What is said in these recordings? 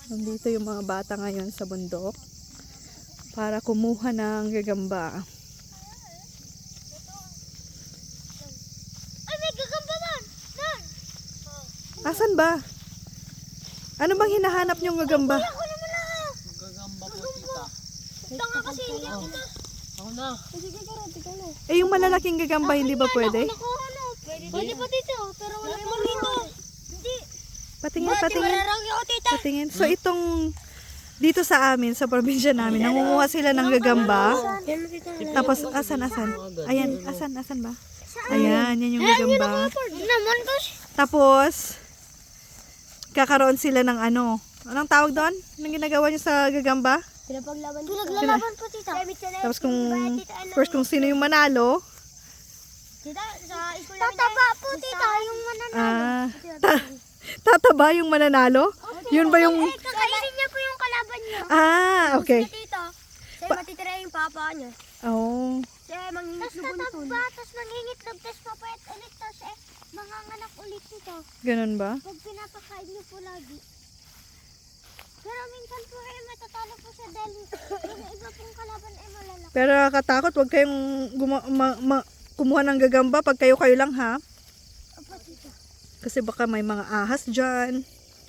Nandito yung mga bata ngayon sa bundok para kumuha ng gagamba. Ay, may gagamba man! Doon! Asan ba? Ano bang hinahanap niyong gagamba? Ako naman na! Gagamba po, tita. Ito nga kasi hindi ako na. Ako na. Sige, karot, ikaw na. Eh, yung malalaking gagamba, hindi ba pwede? Pwede pa dito, pero wala naman dito. Hindi. Patingin, patingin. Mararang ako, tita. Patingin. So, itong dito sa amin, sa probinsya namin, nangunguha sila ng gagamba. Tapos, asan? Ayan, asan ba? Ayan, yan yung gagamba. Naman kasi. Tapos, kakaroon sila ng ano. Anong tawag doon? Anong ginagawa niyo sa gagamba? Pinapaglaban. Pinaglalaban po, tita. Tapos kung sino yung manalo, Tita, sa school namin. Tataba po, tita, yung mananalo. tataba yung mananalo? Yun ba yung... Kakainin niya po yung kalaban niya. Okay. Tito, siya matitira yung papa niya. Oh. Siya mangingit na buntun. Tapos mangingit na tapos papayat ulit. Tapos manganganak ulit nito. Ganun ba? Pag pinapakain niyo po lagi. Pero minsan po matatalo po siya dahil yung iba pong kalaban ay malalaki. Pero nakakatakot, huwag kayong kumuha ng gagamba pag kayo lang ha. Opo, tita. Kasi baka may mga ahas dyan.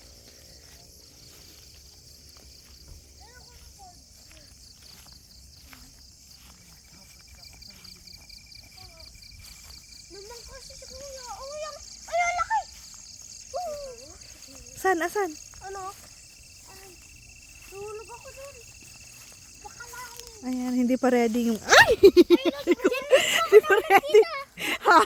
Naman kasi si kuya. Oh, yung... Ay, ang laki! Asan? Ano? Ay, tulog ako dun. Baka lalim. Ayan, hindi pa ready yung... Ay! Hindi pa ready. Ha?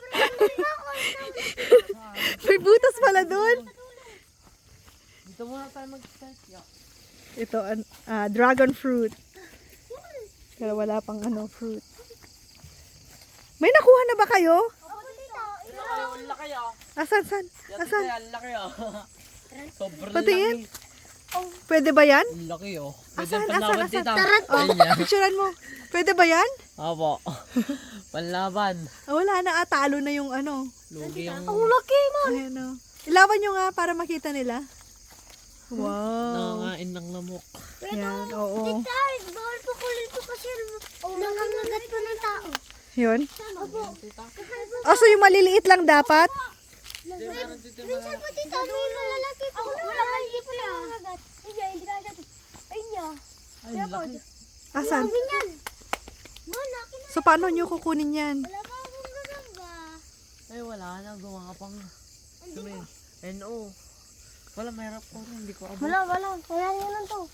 May butas pala doon. Dito muna tayo mag-start. Ito, dragon fruit. Pero wala pang fruit. May nakuha na ba kayo? Opo, tita. Ang laki ah. Asan? Asan? Ang laki ah. Sobrang Patingin. laki. Pwede ba yan? Ang laki oh. Asan? panlaban, tita. Oh, picturean mo. Pwede ba yan? Apo. Panlaban. Wala na, talo na yung Lugi yung laki, man. Ayan o. Ilawan nyo nga para makita nila. Wow. nangangain ng lamok. Yan, oo. Tita, bawal po kulil po kasi nangangagat po ng tao. Yun. Opo. Oh, so yung maliliit lang dapat? Minsan po, tita, may malalaki po. Wala pa, hindi po nangangagat. Hindi ka agad. Ayun niya. Ay, ang laki. Asan? Ganyan. Man, laki na. So paano nyo kukunin yan? Wala pa akong gagamba. Ay, wala na. Gawa ka pang... NO. Wala, mayroon ko rin. Hindi ko abot. Wala. Kaya nyo lang to.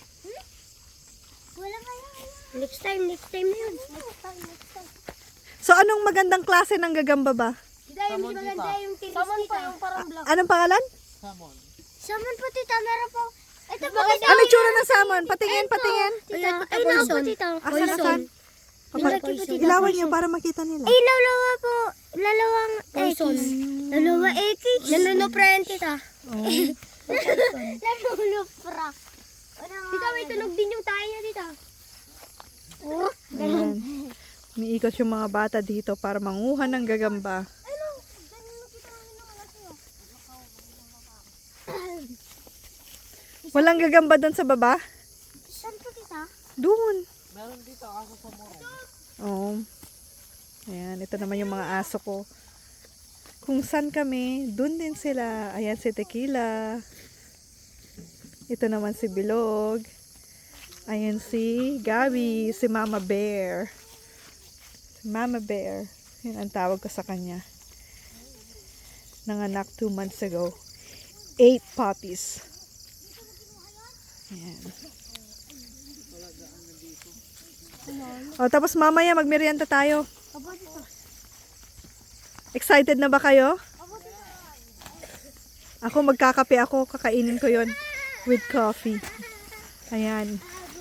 Wala kaya. Next time na yun. Next time. So anong magandang klase ng gagamba ba? Yung maganda yung tiris, Samon po yung parang black. Anong pangalan? Salmon. Samon po, tita. Meron po. Ito po. Ano tsura ng salmon? Patingin. Tita, ay na po, tita. Asan? Ilawan nyo para makita nila. Ay, lalawa po. Lalawang X. Lalawa X. Laluno friend, tita. Oh. Laluno fra. Tita, may tunog din yung tayo niya, tita. Oh, Ayan. Umiikot yung mga bata dito para manguha ng gagamba. ano? Ganun mo kita ng malaki, oh. Walang gagamba doon sa baba? Saan po, tita? Doon. Meron dito aso sa moro. Oo. Ayan, ito naman yung mga aso ko. Kung saan kami, doon din sila. Ayan si Tequila. Ito naman si Bilog. Ayan si Gabi, si Mama Bear. Si Mama Bear. Yan ang tawag ko sa kanya. Nanganak 2 months ago. 8 puppies. Ayan. O, tapos mamaya magmerienda tayo. Aba, tita. Excited na ba kayo? Aba, tita. Ako magkakape ako, kakainin ko yon with coffee. Ayan.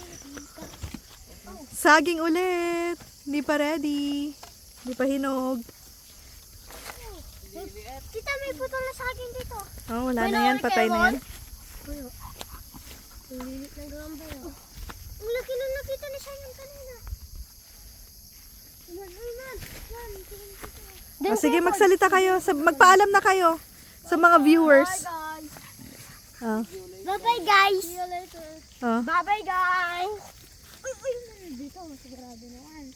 Saging ulit. Hindi pa ready. Hindi pa hinog. Tita, may putol na sa akin dito. Oh, wala na yan. Patay na yan. Ang lilit ng gamba yun. Ang laki na nakita ni Shine yung kanina. O, sige, magsalita kayo. Magpaalam na kayo sa mga viewers. Ah. Bye-bye, guys. See you later. Ah. Bye-bye, guys. Uy, dito. Sigurado naman.